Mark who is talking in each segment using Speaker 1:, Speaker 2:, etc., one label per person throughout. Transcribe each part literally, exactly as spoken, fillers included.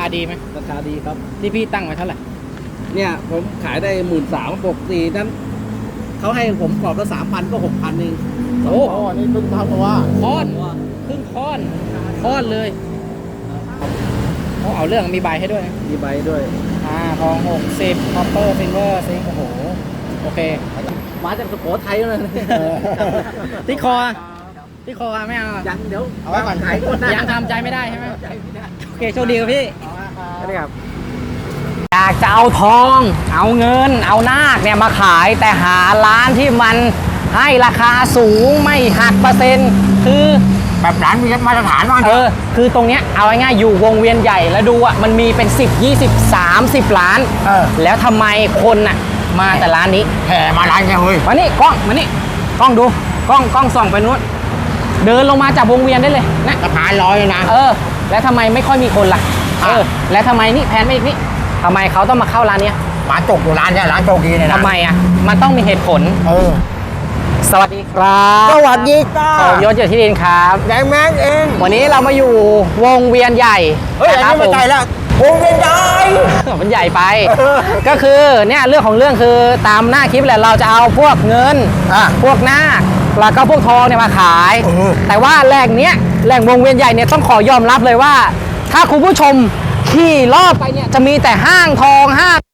Speaker 1: ดีไหม
Speaker 2: ราคาดีครับ
Speaker 1: ที่พี่ตั้งไว้เท่าไหร่
Speaker 2: เนี่ยผมขายได้หมื่นสามปกตินั้นเขาให้ผมกรอบละสามพันก็หกพันเอง
Speaker 1: โอ้
Speaker 2: นี่เพิ่งทำเพราะว่า
Speaker 1: ค้อนครึ่งค้อนค้อนเลยเขาเอาเรื่องมีใบให้ด้วย
Speaker 2: มีใบด้วย
Speaker 1: อ่าทองหกสิบคอปเปอร์ซิลเวอร์ซิงโอ้โหโอเค
Speaker 2: มาจากสุโขทัยเลย
Speaker 1: ที่คอที่คอไม่เอา
Speaker 2: ยังเดี๋ยวเอาไว้ก่อนขาย
Speaker 1: ยังทำใจไม่ได้ใช่ไหมโอเคโชคดีครับพี่สวัสดีครับอยากจะเอาทองเอาเงินเอานาคเนี่ยมาขายแต่หาร้านที่มันให้ราคาสูงไม่หักเปอร์เซ็นต์คือ
Speaker 2: แบบร้านมีมาตรฐานบ้าง
Speaker 1: เออคือตรงเนี้ยเอาง่ายๆอยู่วงเวียนใหญ่แล้วดูอ่ะมันมีเป็นสิบ ยี่สิบ สามสิบล้าน
Speaker 2: เออ
Speaker 1: แล้วทำไมคนน่ะมาแต่ร้านนี้
Speaker 2: แห่มาร้านแค่เฮ้ย
Speaker 1: มานี่กล้องมานี่กล้องดูกล้องกล้องส่องไปนู้นเดินลงมาจากวงเวียนได้เลยนะ
Speaker 2: สะพานลอยนะ
Speaker 1: เออแล้วทำไมไม่ค่อยมีคนล่ะเออแล้วทำไมนี่แพนไปอีกนี่ทำไมเขาต้องมาเข้าร้านนี้
Speaker 2: ร้านจกอยู่ร้านเนี้ยร้านโจกีเนี่ยนะ
Speaker 1: ทำไมอ่ะมันต้องมีเหตุผล
Speaker 2: เออ
Speaker 1: สวัสดีครับ
Speaker 2: สวัสดีจ้า
Speaker 1: ผมยศอยู่ที่ดินครับ
Speaker 2: แดงแม็กเอง
Speaker 1: วันนี้เรามาอยู่วงเวียนใหญ่
Speaker 2: เฮ้ยอันนี้ไม่ใช่แล้ววงเวียนใหญ่
Speaker 1: มันใหญ่ไปก็คือเนี่ยเรื่องของเรื่องคือตามหน้าคลิปแหละเราจะเอาพวกเงินพวกหน้าแล้วก็พวกทองเนี่ยมาขายแต่ว่าแหล่งเนี้ยแหล่งวงเวียนใหญ่เนี่ยต้องขอยอมรับเลยว่าถ้าคุณผู้ชมขี่รอบไปเนี่ยจะมีแต่ห้างทองห้าง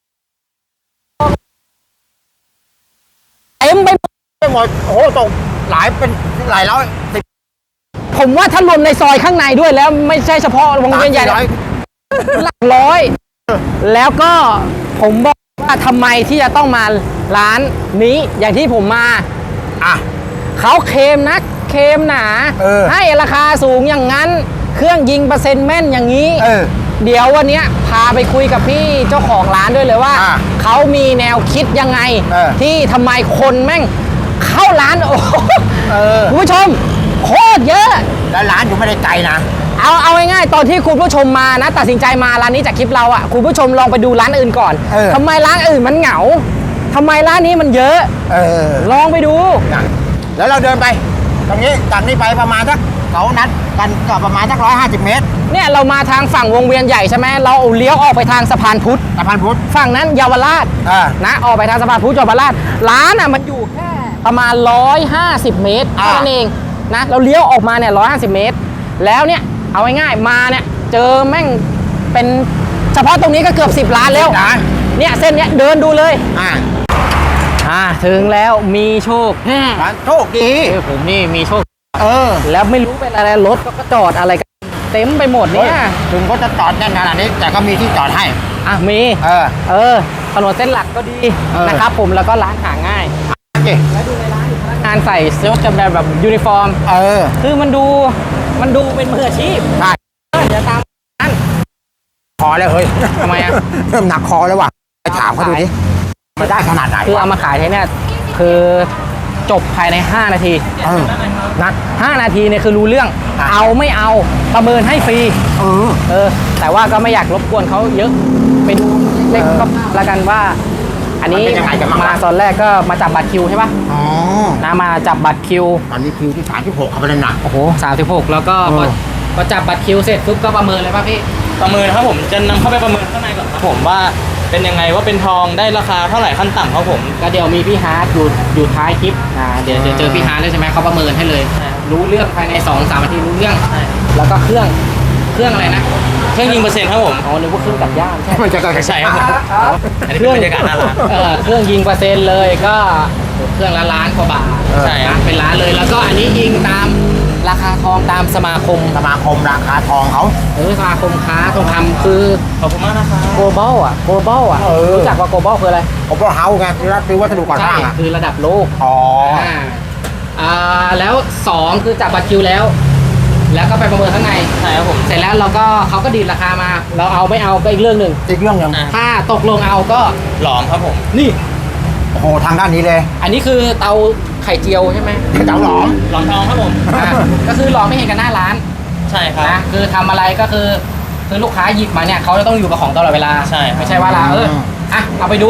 Speaker 1: เต็มไป
Speaker 2: หมดโอ้โหตกหลายเป็นหลายร้อย
Speaker 1: ผมว่าถ้ารวมในซอยข้างในด้วยแล้วไม่ใช่เฉพาะวงเวียนใหญ่หลักร้อยแล้วก็ผมบอกว่าทำไมที่จะต้องมาร้านนี้อย่างที่ผมมา
Speaker 2: อ่ะ
Speaker 1: เขาเคลมนะเคลมหนาให้ราคาสูงอย่างนั้นเครื่องยิงเปอร์เซ็นต์แม่นอย่างนี้เดี๋ยววันนี้พาไปคุยกับพี่เจ้าของร้านด้วยเลยว่าเขามีแนวคิดยังไงที่ทำไมคนแม่งเข้าร้านโอ้คุณผู้ชมโคตรเยอะ
Speaker 2: แล้วร้านอยู่ไม่ได้ไกลนะ
Speaker 1: เอาเอาง่ายๆตอนที่คุณผู้ชมมานะตัดสินใจมาร้านนี้จากคลิปเราอ่ะคุณผู้ชมลองไปดูร้านอื่นก่อนทำไมร้านอื่นมันเหงาทำไมร้านนี้มันเยอะ
Speaker 2: เออ
Speaker 1: ลองไปดู
Speaker 2: แล้วเราเดินไปตรงนี้จากนี้ไปประมาณสักเขานัดกันก็ประมาณสักร้อยห้าสิบเมตร
Speaker 1: เนี่ยเรามาทางฝั่งวงเวียนใหญ่ใช่ไหมเราเลี้ยวออกไปทางสะพานพุทธ
Speaker 2: สะพานพุทธ
Speaker 1: ฝั่งนั้นเยาวราชนะออกไปทางสะพานพุทธเยาวราชร้านอ่ะมันอยู่แค่ประมาณร้อยห้าสิบเมตรเท่านั้นเองนะเราเลี้ยวออกมาเนี่ยร้อยห้าสิบเมตรแล้วเนี่ยเอาง่ายๆมาเนี่ยเจอแม่งเป็นเฉพาะตรงนี้ก็เกือบสิบล้านแล้วเนี่ยเส้นเนี้ยเดินดูเลยอ่าอ่าถึงแล้วมีโชค
Speaker 2: ร้านโชคดี
Speaker 1: ผมนี่มีโชค
Speaker 2: เออ
Speaker 1: แล้วไม่รู้เป็นอะไรรถก็จอดอะไรกันเต็มไปหมดเนี่ย
Speaker 2: ถึงเขาจะจอดแน่นขนาดนี้แต่ก็มีที่จอดให้
Speaker 1: อ่ะมี
Speaker 2: เออ
Speaker 1: เออถนนเส้นหลักก็ดีนะครับผมแล้วก็ร้านหาง่ายแล้วดูในร้านพนักงานใส่เสื้อแบบแบบยูนิฟอร์ม
Speaker 2: เออ
Speaker 1: คือมันดูมันดูเป็นมืออาชีพ
Speaker 2: ใช่
Speaker 1: เดี๋ยวตามนั้น
Speaker 2: คอแล้วเฮ้ย
Speaker 1: ทำไมอ่ะ
Speaker 2: เริ่มหนักคอแล้วว่ะไปถามเขาดูดิมาได้ขนาดไหน
Speaker 1: คือเอามาขายเนี่ยคือจบภายในห้านาทีนะห้านาทีเนี่ยคือรู้เรื่องเอาไม่เอาประเมินให้ฟรี
Speaker 2: เออ
Speaker 1: เออแต่ว่าก็ไม่อยากรบกวนเขาเยอะไปดูเล็กก็แล้วกันว่าอันนี้มาตอนแรกก็มาจับบัตรคิวใช่ป่ะ
Speaker 2: อ๋อ
Speaker 1: นะมาจับบัตรคิว
Speaker 2: ตอนนี้คิวที่สามสิบหกเขาไปเลยนะ
Speaker 1: โอ้โหสามสิบหกแล้วก็พอจับบัตรคิวเสร็จปุ๊บก็ประเมินเลยป่ะพี่
Speaker 3: ประเมินครับผมจะนำเข้าไปประเมินข้างในก่อนครับผมว่าเป็นยังไงว่าเป็นทองได้ราคาเท่าไหร่ขั้นต่ำครับผม
Speaker 1: ก็เดี๋ยวมีพี่ฮาร์ดอยู่อยู่ท้ายคลิปอ่าเดี๋ยวเจอพี่ฮาร์ดเลยใช่ไหมเขาประเมินให้เลยรู้เรื่องภายในสองสามนาทีรู้เรื่องแล้วก็เครื่องเครื่องอะไรนะ
Speaker 3: เครื่องยิงเปอร์เซ็นต์ครับผม
Speaker 1: อ๋อนึกว่าเครื่องตัดหญ้าใช่
Speaker 2: ไม่ใช่ก็
Speaker 3: ใช่ครับ
Speaker 1: เครื่องบรรยากาศน่ารักเออเครื่องยิงเปอร์เซ็นต์เลยก็เครื่องละล้านกว่าบาท
Speaker 3: ใช่ครับ
Speaker 1: เป็นล้านเลยแล้วก็อันนี้ยิงตามราคาทองตามสมาคม
Speaker 2: สมาคมราคาทองเขา
Speaker 1: เออสมาคมค้าทองคำคือ
Speaker 3: ขอบคุณมากนะครับ
Speaker 1: โกลบอลอ่ะโกลบอลอ่ะรู้จักว่าโกลบอลคืออะไร
Speaker 2: โกลบอลเฮาส์ไงคือรับซื้อวัสดุก่อสร้าง
Speaker 1: คือระดับโลก
Speaker 2: อ๋อ
Speaker 1: อ่าแล้วสองคือจับบัตรคิวแล้วแล้วก็ไปประเมินข้างใน
Speaker 3: ใช่ครับผม
Speaker 1: เสร็จแล้วเราก็เขาก็ดีดราคามาเราเอาไม่เอาก็อีกเรื่องหนึ่ง
Speaker 2: อีกเรื่องหนึ่ง
Speaker 1: ถ้าตกลงเอาก็
Speaker 3: หลอมครับผม
Speaker 1: นี่
Speaker 2: โอ้โหทางด้านนี้เลย
Speaker 1: อันนี้คือเตาไข่เจียวใช่ไหม
Speaker 2: เตาหลอม
Speaker 3: หลอมทองครับผม
Speaker 1: ก็คือหลอมไม่เห็นกันหน้าร้าน
Speaker 3: ใช่ครับ
Speaker 1: นะคือทำอะไรก็คือคือลูกค้าหยิบมาเนี่ยเขาจะต้องอยู่กับของตลอดเวลา
Speaker 3: ใช่
Speaker 1: ไม่ใช่ว่าเราเอออ่ะเอาไปดู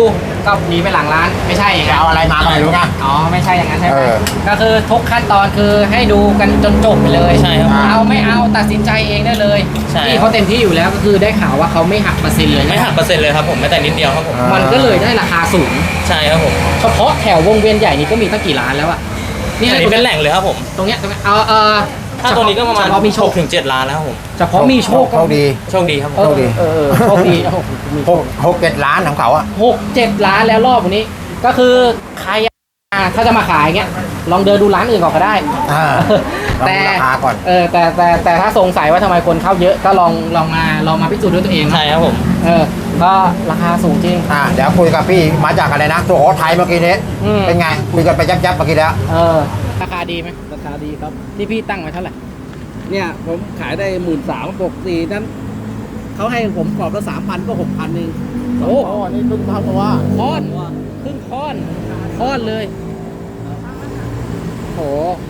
Speaker 1: ก็หนีไปหลังร้านไม่ใช่อย่าง
Speaker 2: จะ
Speaker 1: นั้น
Speaker 2: เอาอะไรมาก็ไม่รู้นะ
Speaker 1: อ๋อไม่ใช่อย่างนั้นใช่ไหม
Speaker 2: เออ
Speaker 1: ก็คือทุกขั้นตอนคือให้ดูกันจนจบไปเลย
Speaker 3: ใช่ครับ
Speaker 1: เอาไม่เอาตัดสินใจเองได้เลย
Speaker 3: ใช่
Speaker 1: นี่เขาเต็มที่อยู่แล้วก็คือได้ข่าวว่าเขาไม่หักเปอร์เซ็นต์เลย
Speaker 3: ไม่หักเปอร์เซ็นต์เลยครับผมแม้แต่นิดเดียวครับผม
Speaker 2: อ่า
Speaker 1: มันก็เลยได้ราคาสูง
Speaker 3: ใช่ครับผม
Speaker 1: เฉพาะแถววงเวียนใหญ่นี่ก็มีตั้งกี่ร้านแล้วอะ
Speaker 3: อันนี้เป็นแหล่งเลยครับผม
Speaker 1: ตรงเนี้ยตรงเนี้ยเอาเออ
Speaker 3: ถ้าตัวนี้ก็ประมาณ
Speaker 1: เฉพาะมีโช
Speaker 3: ห
Speaker 1: ค
Speaker 3: กถึงเจ็ดล้านแล้วครับผม
Speaker 1: เฉพาะมีโชค
Speaker 2: โชคดี
Speaker 3: โชคดีครับผม
Speaker 1: เออ
Speaker 2: โชคดี
Speaker 1: เออเออโชคดีโอ้โหมี
Speaker 2: หกหกเจ็ดล้านของเขาอะ
Speaker 1: หกเจ็ดล้านแล้วรอบวันนี้ ก็คือใครอ่ะถ้าจะมาขายเงี้ยลองเดินดูร้านอื่นก่อนก็ได้
Speaker 2: อ่า
Speaker 1: แต่
Speaker 2: ลองดูราคาก่อน
Speaker 1: เออแต่แต่แต่ถ้าสงสัยว่าทำไมคนเข้าเยอะก็ลองลองมาลองมาพิสูจน์ด้วยตัวเองนะ
Speaker 3: ใช่ครับผม
Speaker 1: เออก็ราคาสูงจริง
Speaker 2: อ่าเดี๋ยวคุยกับพี่มาจากอะไรนะสุโขทัยเมื่อกี้นี้
Speaker 1: อืม
Speaker 2: เป็นไงคุยกันไปยับๆเมื่อกี้แล้ว
Speaker 1: เออราคาดีไหม
Speaker 4: ราคาดีครับ
Speaker 1: ที่พี่ตั้งไว้เท่าไหร่
Speaker 4: เนี่ยผมขายได้หมื่นสามปกตินั้นเขาให้ผมกรอบละสามพันก็หกพันเอง
Speaker 1: โอ้
Speaker 2: อ๋อนี่ตึ้งเท่าตัว
Speaker 1: ค้อนครึ่งค้อนค้อนเลยโห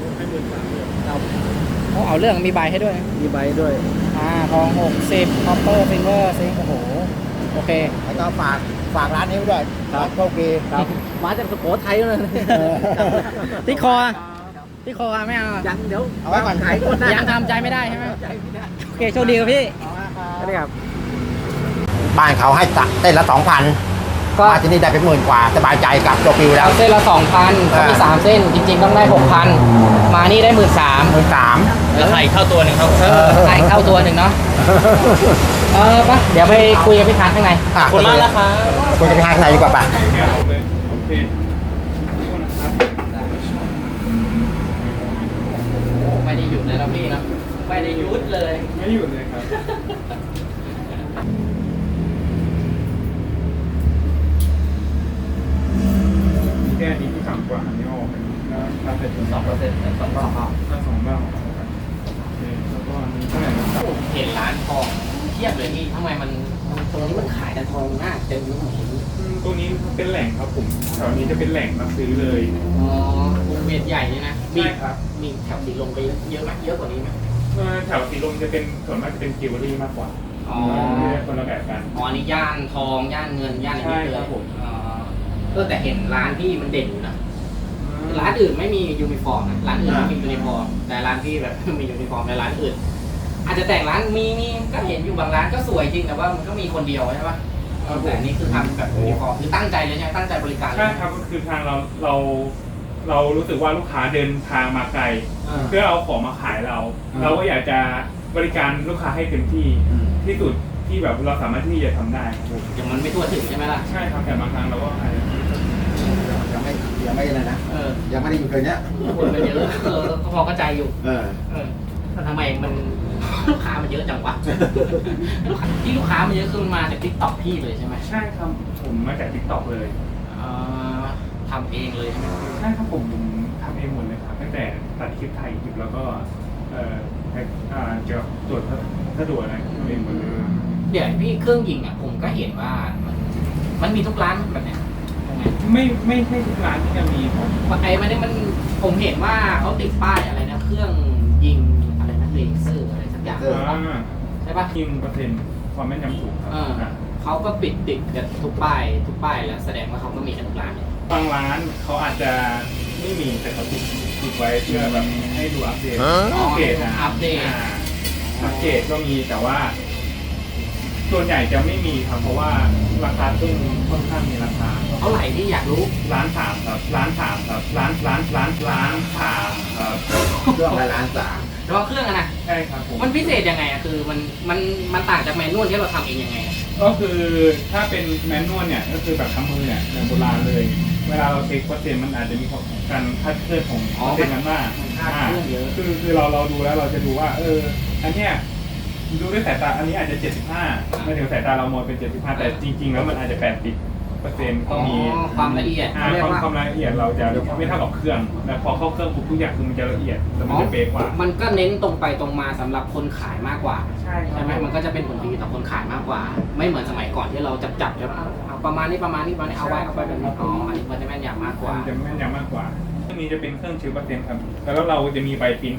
Speaker 1: เขาเอาเรื่องมีใบให้ด้วยนะ
Speaker 4: มีใบด้วย
Speaker 1: อ่าทองหกสิบคอปเปอร์ฟิงเกอร์ซิงโอ้โหโอเค
Speaker 2: แล้วก็ฝากฝากร้านนี้ไว้ด้วย
Speaker 4: ครับ
Speaker 2: ร้านโชคดี
Speaker 4: ครับมาจากสุโขทัยเลย
Speaker 1: ที่คอที่คอไม่เอา
Speaker 4: ยังเดี๋ยว
Speaker 2: เอาไว้ก่อน
Speaker 4: ขายคนได้
Speaker 1: ยังทำใจไม่ได้ใช่ไหมโอเคโชคดีครับพี่สวัสดีครับ
Speaker 2: บ้านเขาให้ตัดเต้นละสองพัน
Speaker 1: ก็
Speaker 2: มาที่นี่ได้เป็นหมื่นกว่าสบายใจกับตัวปิวแล้ว
Speaker 1: เอาเส้นละสองพันเขามี
Speaker 2: อ่า
Speaker 1: สามเส้น จริง ๆ ต้องได้หกพันมานี่ได้หมื่นสาม
Speaker 2: หมื่นสาม
Speaker 3: แล้วไข่เข้าตัวหนึ่งครับ
Speaker 1: เออใส่เข้าตัวหนึ่งเนาะเออปะเดี๋ยวไปคุยกับพี่ค้างข้างใน
Speaker 3: ขอบคุณมากนะครับ
Speaker 2: คุณจะไปทางไหนดีกว่าป่ะ
Speaker 1: ไม่ได้หยุดเลยนะพี่นะไม่ได้หยุดเลย
Speaker 5: ไม่หยุดเลยครับ แค่นี้ที่ต่ำกว่าอันนี้ออกแล้วถ้าเป็นสองเปอร์เซ็นต์
Speaker 1: สองรอบครับ
Speaker 5: ถ้าสองบ้างโอเคแล้วก็อันนี้เท่าไหร่นะครับ
Speaker 1: เห็นร้านทองเทียบเลยพี่ทำไมมันมันตรงนี้มันขายแต่ทองหน้าเต็มไม่เห็น
Speaker 5: อืมตัวนี้เป็นแหล่งครับผมแถวนี้จะเป็นแหล่งรับซื้อเลย
Speaker 1: อ๋อวงเวียนใหญ่เนี่ยนะมี
Speaker 5: ใช่ครับ
Speaker 1: มีแถวสีลมไปเยอะไหมเยอะกว่านี้ไหม
Speaker 5: เอ่อแถวสีลมจะเป็นส่วนมากจะเป็นจิวเวลรี่มากกว่า
Speaker 1: อ๋อ
Speaker 5: คนละแบบกัน
Speaker 1: อ๋ออันนี้ย่านทองย่านเงินย่านอะไรนี่
Speaker 5: ใช่
Speaker 1: เล
Speaker 5: ครั
Speaker 1: ย
Speaker 5: บผม
Speaker 1: อ๋อเออแต่เห็นร้านพี่มันเด่นอยู่นะร้านอื่นไม่มียูนิฟอร์มนะร้านอื่นไม่มียูนิฟอร์มแต่ร้านพี่แบบ มียูนิฟอร์มแต่ร้านอื่น อาจจะแต่งร้านมีมีก็เห็นอยู่บางร้านก็สวยจริงแต่ว่ามันก็มีคนเดียวใช่ปะแต่อันนี้คือทำแบบยูนิฟอร์มคือตั้งใจเลยใช่ไหมตั้งใจบริการเลย
Speaker 5: ใช่ครับก็คือทางเราเราเรารู้สึกว่าลูกค้าเดินทางมาไกล
Speaker 1: อ่า
Speaker 5: เพื่อเอาของมาขายเรา
Speaker 1: อ่า
Speaker 5: เราก็อยากจะบริการลูกค้าให้เต็มที่
Speaker 1: อืม
Speaker 5: ที่สุดที่แบบเราสามารถที่จะทำได้
Speaker 1: อย่างมันไม่ทั่วถึงใช่ไหมล่ะ
Speaker 5: ใช่ครับแต่บางครั้งเราก็อาจจะ
Speaker 2: ยังไม่ยังไม่อะไรนะ
Speaker 1: เออ
Speaker 2: ยังไม่ได้อยู่เลยเนี้ย
Speaker 1: คนมันเยอะเออก็พอเข้าใจอยู่
Speaker 2: เออ
Speaker 1: เออแต่ทำไมมัน ลูกค้ามันเยอะจังวะ ลูกค้าที่ลูกค้ามันเยอะคือมันมาจากทิกตอกพี่เลยใช่ไหม
Speaker 5: ใช่ครับผมมาจากทิกตอกเลย
Speaker 1: เอ่อทำเองเลยใช่ไหม
Speaker 5: ใช่ครับผมผมทำเองหมดเลยครับตั้งแต่ตัดคลิปถ่ายคลิปแล้วก็เอ่อให้อ่าเกี่ยวกับตรวจถ้าตรวจอะไรทำเองหมดเลย
Speaker 1: เดี๋ยวพี่เครื่องยิงอ่ะผมก็เห็นว่ามันมันมีทุกร้านแบบเนี้ยตรงไหน
Speaker 5: ไม่ไม่ใช่ทุกร้านที่จะมีผม
Speaker 1: ไอ้มันนี่มันผมเห็นว่าเขาติดป้ายอะไรนะเครื่องยิงอะไรนะเลเซอร์อะไรสักอย่าง
Speaker 5: อ่า
Speaker 1: ใช่ปะ
Speaker 5: ยิงเปอร์เซ็นต์ความแม่นยำสูงครับ
Speaker 1: เออ
Speaker 5: อ่ะ
Speaker 1: เขาก็ปิดติดกันทุกป้ายทุกป้ายแล้วแสดงว่าเขาก็มีกันทุกร้านเนี่ย
Speaker 5: บางร้านเขาอาจจะไม่มีแต่เขาติดติดไว้เพื่อแบบให้ดูอัปเดต
Speaker 1: อ๋อ
Speaker 5: อัปเดตนะ
Speaker 1: อัปเดต
Speaker 5: าอัปเดตก็มีแต่ว่า ส่วนใหญ่จะไม่มีครับเพราะว่าราคาซึ่งค่อนข้างมีราคา
Speaker 1: เท่าไหร่ที่อยากรู้
Speaker 5: ร้านสามครับร้านสามครับร้านร้านร้านร้านสามครับ
Speaker 2: เครื่องละล้านสาม
Speaker 1: เฉพาะเครื่องอะนะ
Speaker 5: ใช่ครับผม
Speaker 1: มันพิเศษยังไงอะคือมันมันมันต่างจากแมนนวลที่เราทำเองยังไงอะ
Speaker 5: ก็คือถ้าเป็นแมนนวลเนี่ยก็คือแบบทำมือเนี่ยแบบโบราณเลย เวลาเราเช็คเปอร์เซ็นต์มันอาจจะมีการคลาดเคลื่อนของเปอร์เซ็นต์มันมาก
Speaker 1: มันคลาดเคลื่อนเยอะ
Speaker 5: คือคือเราเราดูแล้วเราจะดูว่า เออ อันเนี้ยดูด้วยสายตาอันนี้อาจจะเจ็ดสิบห้าไม่ถึงสายตาเรามองเป็นเจ็ดสิบห้าแต่จริง ๆ แล้วมันอาจจะแปดสิบเปอร์เซ็นต์ก็มี
Speaker 1: อ๋อความละเอียด
Speaker 5: อ่า
Speaker 1: เขาเรีย
Speaker 5: ค
Speaker 1: ก
Speaker 5: วาม
Speaker 1: ว่า
Speaker 5: ความละเอียดเราจะไม่เท่ากับเครื่องแต่พอเข้าเครื่องปุ๊บทุกอย่างคือมันจะละเอียดแต่มันจะเป๊ะกว่า
Speaker 1: มันก็เน้นตรงไปตรงมาสำหรับคนขายมากกว่า
Speaker 5: ใช่ครับ
Speaker 1: ใช่ไหมมันก็จะเป็นผลดีต่อคนขายมากกว่า ไม่เหมือนสมัยก่อนที่เราจับจับจะเอาประมาณนี้ประมาณนี้ประมาณนี้เอาไว้เอาไปแบบนี้อ๋ออันนี้มันจะแม่นยำมากกว่า
Speaker 5: มันจะแม่นยำมากกว่าเครื่องนี้จะเป็นเครื่องชิลเปอร์เซ็นต์ครับแล้วเราจะมีใบปริ้น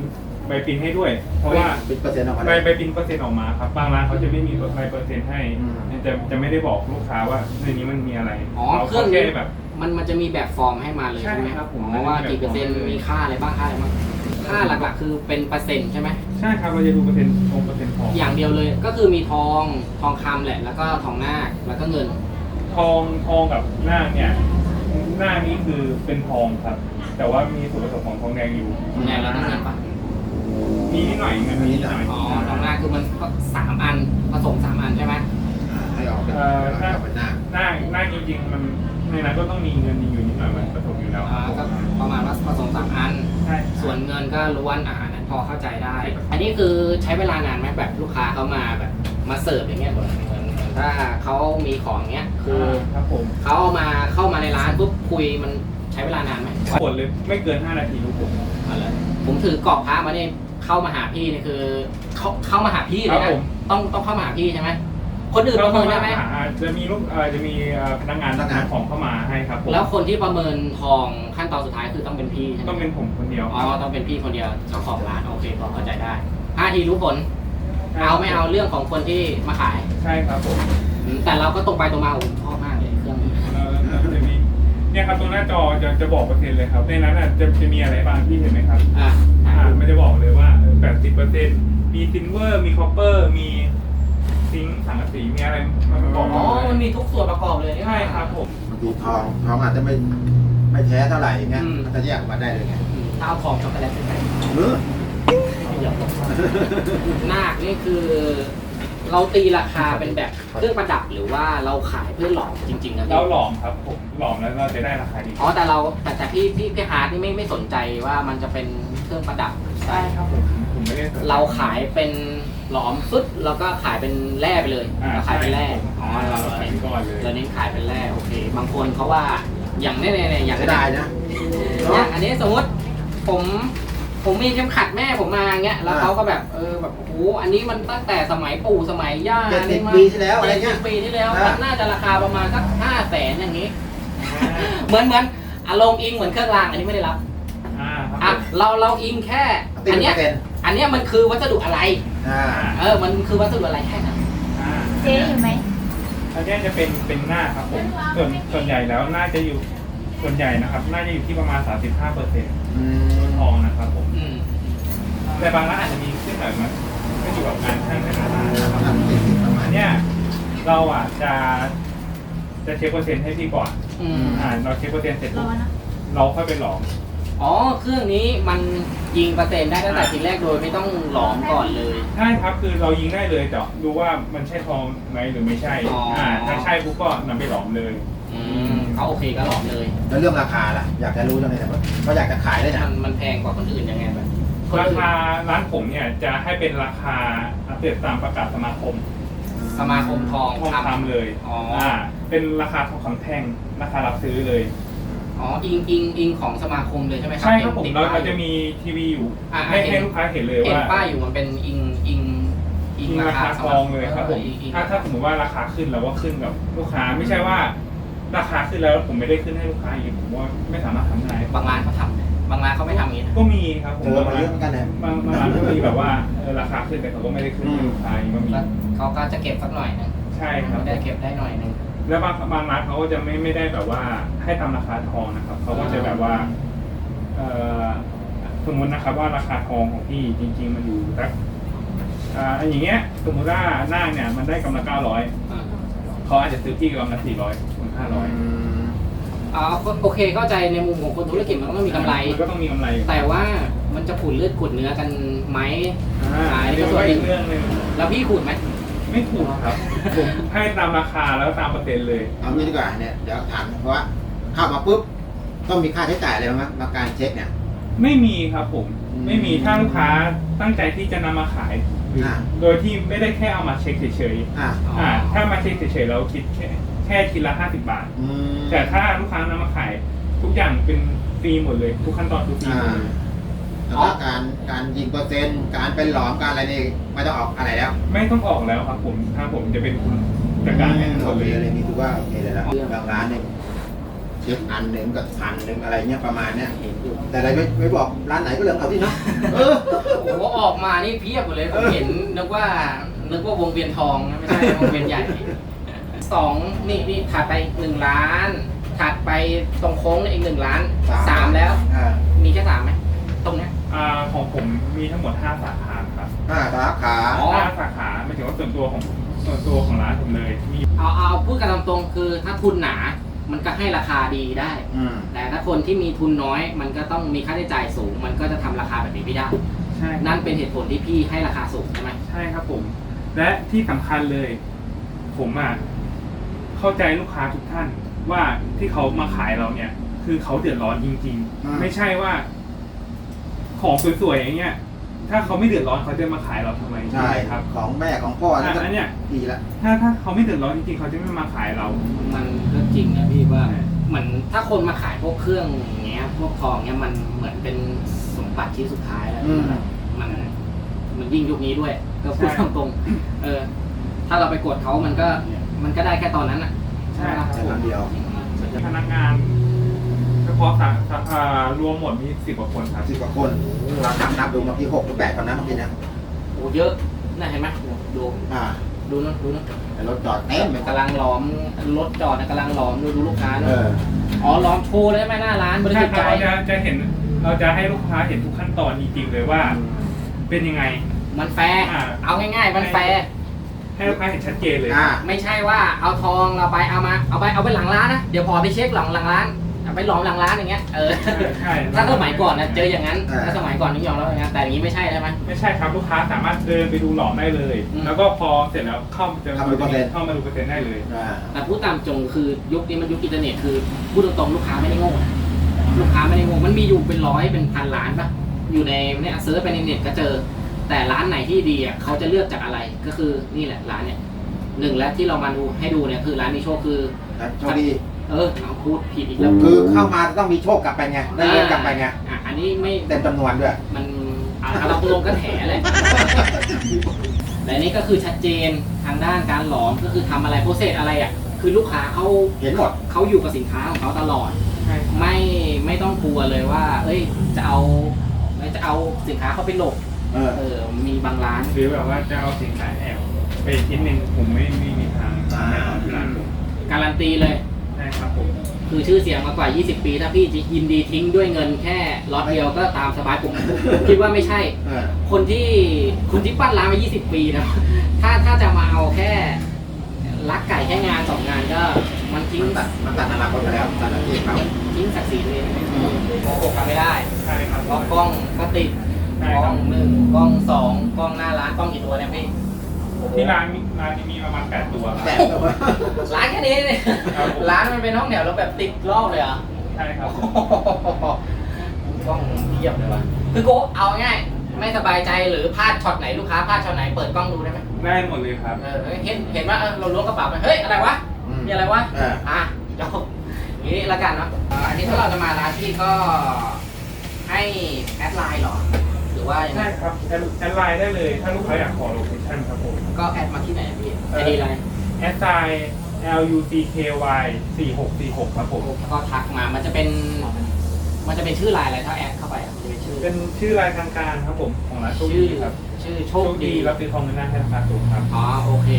Speaker 5: ใบปริ้นให้ด้วย เพราะว่า
Speaker 2: เป็นเปอร์เซ็นต์ออกมา
Speaker 5: ใบใบปริ้นเปอร์เซ็นต์ออกมาครับบางร้านเขาจะไม่มีใบเปอร์เซ็นต์ให้
Speaker 2: อืม
Speaker 5: จะจะไม่ได้บอกลูกค้าว่าในนี้มันมีอะไร
Speaker 1: อ๋อ
Speaker 5: เรา
Speaker 1: เครื่อง
Speaker 5: แค่
Speaker 1: นี้
Speaker 5: แบบ
Speaker 1: มันมันจะมีแบบฟอร์มให้มาเลย
Speaker 5: ใช่
Speaker 1: ใช่ไหม
Speaker 5: ครับผม
Speaker 1: อ๋อว่ากี่เปอร์เซ็นต์
Speaker 5: มันจะมีแบบฟอร์มเลย
Speaker 1: มีค่าอะไรบ้างค่าอะไรบ้างค่าหลักๆ คือเป็นเปอร์เซ็นต์ใช่ไหม
Speaker 5: ใช่ครับเราจะดูเปอร์เซ็นต์ทองเปอร์เซ็นต์ทอง
Speaker 1: อย่างเดียวเลยก็คือมีทองทองคำแหละ แล้วก็ทองนาคแล้วก็เงิน
Speaker 5: ทองทองกับหน้าเนี่ยหน้านี้คือเป็นทองครับ แต่ว่ามีส่วนผสมของทองแดงอยู่
Speaker 1: ทองแดงแล้วก็เงินปะ
Speaker 5: มีนิดหน่อยเงินมีนิดหน่อย
Speaker 1: อ๋อทองนาคคือมันก็สามอันผสมสามอันใช่ไหม
Speaker 2: อ่าให้ออกเป็น
Speaker 5: เอ่อ
Speaker 2: ให้
Speaker 5: ถ้า
Speaker 2: ออกเป็นหน้า
Speaker 5: หน้าหน้าจริงๆมันในนั้นก็ต้องมีเงินอยู่นิดหน่อยมันผสมอยู่แล้ว
Speaker 1: อ่าก็ประมาณว่าผสมสามอัน
Speaker 5: ใช่
Speaker 1: ส่วนเงินก็ล้วนอาหารนั้นพอเข้าใจได้ อันนี้คือใช้เวลานานไหมแบบลูกค้าเขามาแบบมาเสิร์ฟอย่างเงี้ยเหมือนเหมือนเหมือนถ้าเขามีของเงี้ยคือ
Speaker 5: ครับผม
Speaker 1: เขาเอามาเข้ามาในร้านปุ๊บคุยมันใช้เวลานานไหม
Speaker 5: ผลเลยไม่เกินห้านาทีทุกคน
Speaker 1: อะไรผมถือกรอบพระมาเนี่ยเข้ามาหาพี่เนี่ยคือเขาเข้ามาหาพี่เลย
Speaker 5: ครั
Speaker 1: นะ
Speaker 5: บผม
Speaker 1: ต้องต้องเข้ามาหาพี่ใช่ไหมคนอื่นประเมินได้ไหม
Speaker 5: อ่าจะมีลูกเอ่อจะมีเอ่อพนักงานนำของเข้ามาให้ครับผม
Speaker 1: แล้วคนที่ประเมินทองขั้นตอนสุดท้ายคือต้องเป็นพี่ใช่ไหม
Speaker 5: ต้องเป็นผมคนเดียว
Speaker 1: อ๋อต้องเป็นพี่คนเดียวเจ้าของร้านโอเคพอเข้าใจได้ห้าทีรู้ผลเอาไม่เอาเรื่องของคนที่มาขาย
Speaker 5: ใช่ครับผม
Speaker 1: อืมแต่เราก็ตรงไปตรงมาโอ้โหชอบมากเลยเครื่องนี้
Speaker 5: เอ่อจะมีเนี่ยครับตรงหน้าจอจะจะบอกเปอร์เซ็นต์เลยครับในนั้นอ่ะจะจะมีอะไรบ้างพี่เห็นไหมครับ
Speaker 1: อ่ะ
Speaker 5: อ่ามันจะบอกเลยว่าแปดสิบเปอร์เซ็นต์มีซิลเวอร์มีคอปเปอร์มีซิงค์สังกะสีมีอะไรมันบอกหม
Speaker 1: อ๋อ
Speaker 5: ดเลย
Speaker 1: มันมีทุกส่วนประกอบเลยนี่
Speaker 5: ใช่ครับผม
Speaker 2: บางทีทองทองอาจจะไม่ไม่แท้เท่าไหร่อย่างเงี้ย
Speaker 1: อืม
Speaker 2: มันจะแยกออกมาได้เลยไง
Speaker 1: อืมถ้าเอาทองช็อกโกแลตไปใส่
Speaker 2: เออ
Speaker 1: เดี๋ยวนาคนี่คือ เราตีราคาเป็นแบบเครื่องประดับหรือว่าเราขายเพื่อหลอมจริงๆนะ
Speaker 5: เรา
Speaker 1: พี่
Speaker 5: หลอมครับผมหลอมแล้วเราจะได้ราคาดี
Speaker 1: อ๋อแต่เราแต่แต่พี่พี่พี่ฮาร์ดนี่ไม่ไม่สนใจว่ามันจะเป็นเครื่องประดับ
Speaker 5: ใช่ครับผมผมไม่ได้สนใจ
Speaker 1: เราขายเป็นหลอมฟึดแล้วก็ขายเป็นแร่ไปเลย
Speaker 5: อ่า
Speaker 1: เราขายเป็นแร่
Speaker 5: ใช่
Speaker 1: อ๋อเรา
Speaker 5: เราขาย
Speaker 1: เน้น
Speaker 5: ก่อนเลย
Speaker 1: เราเน้นขายเป็นแร่โอเค บางคนเขาว่าอย่างเนี้ยเนี่ยอย่าง
Speaker 2: เสีย
Speaker 1: เนี้
Speaker 2: ดาย
Speaker 1: ย
Speaker 2: นะ
Speaker 1: อย่างอันนี้สมมติผมผมมีเข็มขัดแม่ผมมาเงี้ยแล้ว
Speaker 2: อ่า
Speaker 1: เขาก็แบบเออแบบโอ้โหอันนี้มันตั้งแต่สมัยปู่สมัยย่า
Speaker 2: เจ็ดสิบ
Speaker 1: นี่มา
Speaker 2: ปีที่แล้วอะไรเงี้ย
Speaker 1: จ็ดสิบปีที่แล้ว
Speaker 2: อ่า
Speaker 1: มันน่าจะราคาประมาณสักห้าแสนอย่างนี้ เหมือนเหมือนอารมณ์อิงเหมือนเครื่องรางอันนี้ไม่ได้รับ
Speaker 5: อ่าครับ
Speaker 1: อ่ะเราเราอิงแค่
Speaker 2: ตี
Speaker 1: อัน
Speaker 2: เป
Speaker 1: เนี้
Speaker 2: อย ร์เซ็นต์
Speaker 1: อันเนี้ยมันคือวัสดุอะไร
Speaker 2: อ่า
Speaker 1: เออมันคือวัสดุอะไรแค่นั้น
Speaker 5: อ่า
Speaker 6: เจ๊อยู่ไหม
Speaker 5: อันเนี้ยจะเป็นเป็นหน้าครับผมส่วนส่วนใหญ่แล้วน่าจะอยู่ส่วนใหญ่นะครับน่าจะอยู่ที่ประมาณ สามสิบห้าเปอร์เซ็นต์
Speaker 2: อืม
Speaker 5: ทองนะครับผม
Speaker 1: อืม
Speaker 5: แต่บางร้านอาจจะมีขึ้นหน่อยมันไม่อยู่กับงานช่างแต่ละร้านนะครับ
Speaker 2: ทำติดติดประมา
Speaker 5: อั
Speaker 2: ณ
Speaker 5: นเนี้ยเราอ่ะจะจะเช็คเปอร์เซ็นต์ให้พี่ก่อน
Speaker 1: อืม
Speaker 5: อ่าเราเช็คเปอร์เซ็นต์เสร็จ
Speaker 6: ร
Speaker 5: ปุ๊
Speaker 6: อบนะ
Speaker 5: เราค่อยไปหลอม
Speaker 1: อ๋อเครื่องนี้มันยิงเปอร์เซ็นต์ได้ตั้งแต่ทีแรกโดยไม่ต้องหลอมก่อนเลย
Speaker 5: ใช่ครับคือเรายิงได้เลยแต่ดูว่ามันใช่ทองไหมหรือไม่ใช่
Speaker 1: อ๋ออ่
Speaker 5: อ่าถ้าใช่ปุ๊บก็นำไปหลอมเลย
Speaker 1: อืมเขาโอเคก็หลอมเลย
Speaker 2: แล้วเรื่องราคาล่ะ อยากจะรู้จังเลยแต่ว่าเขาอยากจะขายด้วยนะ
Speaker 1: มันมันแพงกว่าคนอื่นยังไงแบบน
Speaker 5: รา
Speaker 1: อื่น
Speaker 5: คาร้านผมเนี่ยจะให้เป็นราคาอัปเดตตามประกาศสมาคม
Speaker 1: สมาคมทอง
Speaker 5: ทองคำเลย
Speaker 1: อ๋ออ่
Speaker 5: าเป็นราคาทองคำแท่งราคารับซื้อเลย
Speaker 1: อ๋ออิงอิงอิงของสมาคมเลยใช่ไหมครับ
Speaker 5: ใช่ครับผม
Speaker 1: ติด
Speaker 5: เรา
Speaker 1: ป้ย
Speaker 5: เราจะมีทีวีอยู่
Speaker 1: อ่า
Speaker 5: ให้
Speaker 1: เห็น
Speaker 5: ให้ลูกค้าเห็นเลย
Speaker 1: เห็น
Speaker 5: ว่า
Speaker 1: ป้ายอยู่มันเป็นอิงอิง
Speaker 5: อิงราคาทองเลยครับผม
Speaker 1: อิงอิง
Speaker 5: ถ้าถ้าสมมติว่าราคาขึ้นเราก็ขึ้นกับลูกค้าไม่ใช่ว่า ราคาขึ้นแล้วผมไม่ได้ขึ้นให้ลูกค้าอีกผมว่าไม่สามารถทำได้
Speaker 1: บางร้านเขาทำนะบางร้านเขาไม่ทำอย่างนี้นะ
Speaker 5: ก็มีครับผม
Speaker 2: เจอมาเยอะเหมือนกันนะ
Speaker 5: บางบางร้านก็มีแบบว่าเออราคาขึ้นแต่เขาก็ไม่ได้ขึ้นให้ลูกค้าอย่างนี้ก็มี
Speaker 1: แล้วเขาก็จะเก็บสักหน่อยนึง
Speaker 5: ใช่ครับ
Speaker 1: ได้เก็บได้หน่อยนึง
Speaker 5: แล้วบางบางร้านเขาก็จะไม่ไม่ได้แบบว่าให้ตามราคาทองนะครับเขาก็จะแบบว่าเอ่อสมมตินะครับว่าราคาทองของพี่จริง ๆ มันอยู่สักอ่าอย่างเงี้ยสมมติว่าหน้าเนี่ยมันได้กำไรเก้าร้อย
Speaker 1: อ่า
Speaker 5: เขาอาจจะซื้อพี่กำไรสี่ร้อยถึงห้าร้อย
Speaker 1: อ่าโอเคเข้าใจในมุมของคนธุรกิจมันก็ต้องมีกำไร
Speaker 5: มันก็ต้องมีกำไรอยู่
Speaker 1: แต่ว่ามันจะขูดเลือดขูดเนื้อกันไหม
Speaker 5: อ่า
Speaker 1: ขาย
Speaker 5: อัน
Speaker 1: ก็
Speaker 5: นี้
Speaker 1: ส่วน
Speaker 5: ก็
Speaker 1: ห
Speaker 5: อี
Speaker 1: นึ่ง
Speaker 5: กเรื่องหนึง
Speaker 1: แล้วพี่ขูดไหม
Speaker 5: ไม่ถูกครับผมให้ตามราคาแล้วตามเปอร์เซ็นต์เลย
Speaker 2: เอางี้ดีกว่าเนี่ยเดี๋ยวถามเพราะว่าเข้ามาปุ๊บต้องมีค่าใช้จ่ายอะไรบ้างไหมมาการเช็คเนี่ย
Speaker 5: ไม่มีครับผม
Speaker 2: อืม
Speaker 5: ไม่มีถ้าลูกค้าตั้งใจที่จะนำมาขายหรืออา โดยที่ไม่ได้แค่เอามาเช็คเฉย
Speaker 2: อ่า
Speaker 5: ๆอ่าถ้ามาเช็คเฉยๆเราคิดแค่แค่ทีละห้าสิบบาท
Speaker 2: อืม
Speaker 5: แต่ถ้าลูกค้านำมาขายทุกอย่างเป็นฟรีหมดเลย ทุกขั้นตอนคือฟรี
Speaker 2: อ่า
Speaker 5: หมดเลย
Speaker 2: แต่ว่าการการยิงเปอร์เซ็นต์การเป็นหลอมการอะไรนี่ไม่ต้องออกอะไรแล้ว
Speaker 5: ไม่ต้องออกแล้วครับผมถ้าผมจะเป็นคุณจัดการให้ทั้งหม
Speaker 2: โอ
Speaker 5: ด
Speaker 2: เค
Speaker 5: เลย
Speaker 2: เลยนี่ถือว่าโอเคเลยแล้วบางร้านเนี่ยเช็คอันหนึ่งกับพันหนึ่งอะไรเงี้ยประมาณเนี้ยเห็นอยู่แต่อะไรไม่ไม่บอกร้านไหนก็เรื่องเขาที่เนาะเออ
Speaker 1: โอ้โหออกมานี่เพียบเลยผมเห็นนึกว่านึกว่าวงเวียนทองนะไม่ใช่วงเวียนใหญ่สองนี่นี่ถัดไปหนึ่งล้านถัดไปตรงโค้งนี่อีกหนึ่งล้าน
Speaker 2: สาม
Speaker 1: สามแล้ว
Speaker 2: อ่า
Speaker 1: มีแค่สามไหมตรงเนี้ย
Speaker 5: อ่าของผมมีทั้งหมดห้าสาขาครับ
Speaker 2: ห้าสาขา
Speaker 1: อ๋อ
Speaker 5: ห้าสาขาไม่ถึงว่าส่วนตัวของส่วนตัวของร้านผมเลยมี
Speaker 1: เอาเอาพูดกันตามตรงคือถ้าทุนหนามันก็ให้ราคาดีได้
Speaker 2: อืม
Speaker 1: แต่ถ้าคนที่มีทุนน้อย มันก็ต้องมีค่าใช้จ่ายสูง มันก็จะทำราคาแบบนี้ไม่ได้
Speaker 5: ใช่ครับ
Speaker 1: นั่นเป็นเหตุผลที่พี่ให้ราคาสูงใช่ไหม
Speaker 5: ใช่ครับผม และที่สำคัญเลย ผมอ่ะเข้าใจลูกค้าทุกท่านว่าที่เขามาขายเราเนี่ย คือเขาเดือดร้อนจริง
Speaker 2: อืม
Speaker 5: ๆ ไม่ใช่ว่า ของสวยๆอย่างเงี้ย ถ้าเขาไม่เดือดร้อนเขาจะมาขายเราทำไม
Speaker 2: ใช่
Speaker 5: ครับ
Speaker 2: ของแม่ของพ่อ
Speaker 5: อ่ะ
Speaker 2: นี่ก็
Speaker 5: อันเนี้ย
Speaker 2: ดีละ
Speaker 5: ถ้าถ้าเขาไม่เดือดร้อนจริงๆเขาจะไม่มาขายเรา
Speaker 1: มันก็จริงนะพี่ว่าเหมือนถ้าคนมาขายพวกเครื่องอย่างเงี้ย พวกทองเงี้ยมันเหมือนเป็นสมบัติชิ้นสุดท้ายแล้ว
Speaker 2: อืม
Speaker 1: มันมันยิ่งยุคนี้ด้วย ก็พูด
Speaker 5: ใช่
Speaker 1: ตรงๆเออ ถ้าเราไปกดเขามันก็มันก็ได้แค่ตอนนั้นอ่ะ
Speaker 5: ใช่
Speaker 1: ไหมล่ะ
Speaker 2: แต่ครั้งเดียว
Speaker 5: พนักงานเฉพาะสาขาอ่ารวมหมดมีสิบกว่าคนครับ
Speaker 2: สิบกว่าคนเรานับนับดูเมื่อกี้หกหรือแปดคนนะเมื่อกี้นะ
Speaker 1: โอ้เยอะน่าเห็นไหมดู
Speaker 2: อ่า
Speaker 1: ดูนู่นดูนู่น
Speaker 2: แต่รถจอดเต็มเลย
Speaker 1: กำลังล้อมรถจอดกำลังล้อมดูดูลูกค้า
Speaker 2: เอ
Speaker 1: เนอะ
Speaker 2: อ
Speaker 1: อ๋อล้อมโชว์เลยไหมหน้าร้านบริ
Speaker 5: ใช่
Speaker 1: สุทธิ์
Speaker 5: ค
Speaker 1: ใจ
Speaker 5: รับเราจะจะเห็นเราจะให้ลูกค้าเห็นทุกขั้นตอนจริงๆเลยว่า เป็นยังไง
Speaker 1: มันแฟร์
Speaker 5: อ่า
Speaker 1: เอาง่ายๆ มันแฟร์
Speaker 5: ให้ลูกค้าเห็นชัดเจนเลย
Speaker 2: อ่า
Speaker 1: ไม่ใช่ว่าเอาทองเราไปเอามาเอาไปเอาไปหลังร้านนะเดี๋ยวพอไปเช็คหลังหลังร้านเอาไปหลอมหลังร้านอย่างเงี้ยเออ
Speaker 5: ใช่ใช่
Speaker 1: ถ้าสมัยก่อนนะเจออย่างนั้นถ้าสมัยก่อนนี่ยอมรับอย่างนั้นแต่อย่างนี้ไม่ใช่ใช่ไหม
Speaker 5: ไม่ใช่ครับลูกค้าสามารถเดินไปดูหลอมได้เลย
Speaker 1: อืม
Speaker 5: แล้วก็พอเสร็จแล้วเข้าจะ
Speaker 2: เข้ามาดูเปอร์เซ็นต์
Speaker 5: เข้ามาดูเปอร์เซ็นต์ได้เลย
Speaker 2: อ่า
Speaker 1: แต่พูดตามจงคือยุคนี้มันยุคอินเทอร์เน็ตคือพูดตรงๆลูกค้าไม่ได้โง่นะลูกค้าไม่ได้โง่มันมีอยู่เป็นร้อยเป็นพันล้านปะอยู่ในเนี่ยเซิร์ชไปในเน็ตก็เจอ แต่ร้านไหนที่ดีอ่ะเขาจะเลือกจากอะไรก็คือนี่แหละร้านเนี่ยหนึ่งแล้วที่เรามาดูให้ดูเนี่ยคือร้านมีโชคคือ
Speaker 2: โชคดี
Speaker 1: เออเอาพูดผิดอีกแล้ว
Speaker 2: คือเข้ามาต้องมีโชคกลับไปไงได้เงินกลับไปไง
Speaker 1: อ่ะอันนี้ไม่
Speaker 2: เต็มจำนวนด้วย
Speaker 1: มันอ่ะเราลงก็แถแหละแต่อันนี้ก็คือชัดเจนทางด้านการหลอมก็คือทำอะไรโปรเซสอะไรอ่ะคือลูกค้าเขา
Speaker 2: เห็นหมด
Speaker 1: เขาอยู่กับสินค้าของเขาตลอด
Speaker 5: ใช่
Speaker 1: ไม่ไม่ต้องกลัวเลยว่า เอ้ยจะเอาจะเอาสินค้าเขาไปหลบ
Speaker 2: เออ
Speaker 1: เออมีบางร้าน
Speaker 5: หรือแบบว่าจะเอาสินค้าแอบไปชิ้นหนึ่งผมไม่ไม่มีทางทำแน่นอนที่ร้านผม
Speaker 1: การันตีเลย
Speaker 5: ใช่ครับผม
Speaker 1: คือชื่อเสียงมากว่า ยี่สิบ ปี ถ้าพี่จะยินดีทิ้งด้วยเงินแค่ล็อตเดียวก็ตามสบายผมผมคิดว่าไม่ใช่
Speaker 2: เออ
Speaker 1: คนที่คนที่ปั้นร้านมา ยี่สิบ ปีนะ ถ้าถ้าจะมาเอาแค่ลักไก่แค่งานสองงานก็มันทิ้ง
Speaker 2: มันตัดมันตัดอนาคตไปแล้วตัดอาชีพเขา
Speaker 1: ทิ้งศักดิ์ศรีตัวเองโกหกทำไม่ได้
Speaker 5: ใช่ครับ
Speaker 1: เพราะกล้องก็ติด
Speaker 5: ใช่
Speaker 1: ก
Speaker 5: ค
Speaker 1: ล้
Speaker 5: รั
Speaker 1: อบ งหนึ่งกล้องสองกล้องหน้าร้านกล้องกี่ตัวเนี่ยพี่
Speaker 5: ที่ร้านมีร้านนี้มีประมาณแปดตัวครับ
Speaker 2: แต่ตัว
Speaker 1: ร้านแค่นี้เนี่ย
Speaker 5: ครับผม
Speaker 1: ร้านมันเป็นห้องแถวแล้วแบบติดรอบเลยเหรอ
Speaker 5: ใช่ครับ
Speaker 1: กล้องเทียบเลยว่ะคือโกเอาง่ายไม่สบายใจหรือพลาดช็อตไหนลูกค้าพลาดช็อตไหนเปิดกล้องดูได้ไหม
Speaker 5: ได้หมดเลยครับ
Speaker 1: เออเห็นเห็นว่าเออเราล้วงกระเป๋าไปเฮ้ยอะไรวะ
Speaker 2: อืม
Speaker 1: มีอะไรวะ
Speaker 2: เออ
Speaker 1: อ่ะจบอย่างนี้ละกันเนาะอ่าอันนี้ถ้าเราจะมาร้านที่ก็ให้แอดไลน์เหรอ หรือว่ายังไง
Speaker 5: ใช่ครับแอดแอดไลน์ได้เลย ถ้าลูกค้าอยากขอโลเคชั่นครับผม
Speaker 1: ก็แอดมาที่ไหนอะพี่
Speaker 5: เอ
Speaker 1: ไอ
Speaker 5: อ
Speaker 1: ดีไลน์
Speaker 5: แอดไซน์ L U C K Y สี่หกสี่หกครับผม
Speaker 1: ก็ทักมา มันจะเป็น มันจะเป็นชื่อไลน์อะไรถ้าแอดเข้าไปอะมันจะเป็นชื่อ
Speaker 5: เป็นชื่อรายทางการครับผมของร้านโชค
Speaker 1: ชื่อ
Speaker 5: ดีครับ
Speaker 1: ชื่อโช
Speaker 5: โช
Speaker 1: ค
Speaker 5: ค
Speaker 1: ดี
Speaker 5: ดีรับซื้อทองเงินหน้าให้ราคาสูงครับ
Speaker 1: อ๋อโอเค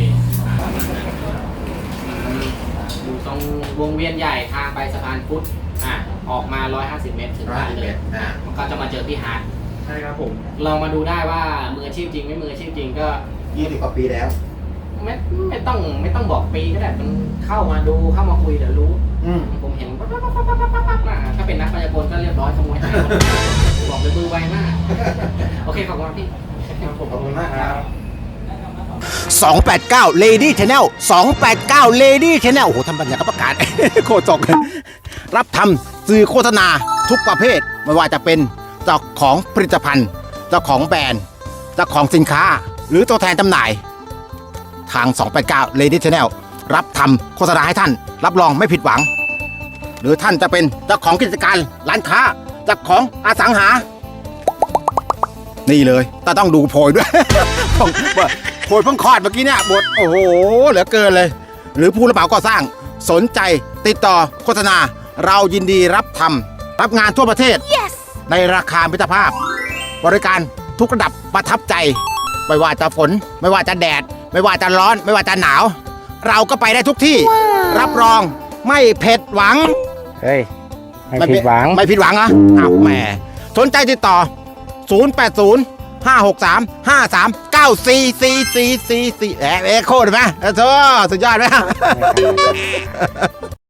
Speaker 1: อืมอยู่ตรงวงเวียนใหญ่ทางไปสะพานพุทธอ่ะออกมา หนึ่งร้อยห้าสิบ เมตรถึง
Speaker 2: ร้อย
Speaker 1: บ้าน
Speaker 2: สิบ
Speaker 1: เล
Speaker 2: เอ็
Speaker 1: ย
Speaker 2: ดอ่า
Speaker 1: มันก็จะมาเจอพี่ฮาร์ด
Speaker 5: ใช่ครับผม
Speaker 1: ลองมาดูได้ว่ามืออาชีพจริงไม่มืออาชีพจริงก็
Speaker 2: ยี่สิบกว่าปีแล้ว
Speaker 1: ไม่ไม่ต้องไม่ต้องบอกปีก็ได้มันเข้ามาดูเข้ามาคุยเดี๋ยวรู้
Speaker 2: อืม
Speaker 1: ผมเห็นปั๊บปั๊บปั๊บปั๊บปั๊บปั๊บอ่ะถ้าเป็นนักพยากรณ์ก็เรียบร้อยขโมยหายหมดบอกเลยมือไวมากโอเคขอบคุณพี่
Speaker 2: ขอบคุณมากครับ
Speaker 6: สองแปดเก้า Lady Channel สองแปดเก้า Lady Channel โอ้โหทำบัญญัติประกาศ โคตรจกรับทำสื่อโฆษณาทุกประเภท ไม่ว่าจะเป็นเจ้าของผลิตภัณฑ์ เจ้าของแบรนด์ เจ้าของสินค้า หรือตัวแทนจำหน่าย ทาง สองแปดเก้า Lady Channel รับทำโฆษณาให้ท่าน รับรองไม่ผิดหวัง หรือท่านจะเป็นเจ้าของกิจการร้านค้า เจ้าของอสังหา นี่เลยแต่ต้องดูโพยด้วย โพยเพิ่งคลอดเมื่อกี้เนี่ยบทโอ้โหเหลือเกินเลย หรือผู้รับเหมาก่อสร้างสนใจติดต่อโฆษณาเรายินดีรับทำรับงานทั่วประเทศ yes. ในราคามิตรภาพ บริการทุกระดับประทับใจ ไม่ว่าจะฝน ไม่ว่าจะแดด ไม่ว่าจะร้อน ไม่ว่าจะหนาว เราก็ไปได้ทุกที่ wow. รับรองไม่ผิดหวัง
Speaker 1: เฮ้ย ไม่ผิดหวัง
Speaker 6: ไม่ผิดหวังเหรออ้าวแหมสนใจติดต่อ ศูนย์ แปด ศูนย์ ห้า หก สาม ห้า สาม เก้า สี่ สี่ สี่ สี่ สี่ แอร์เอ็กโคดไหมเออสุดยอดไหม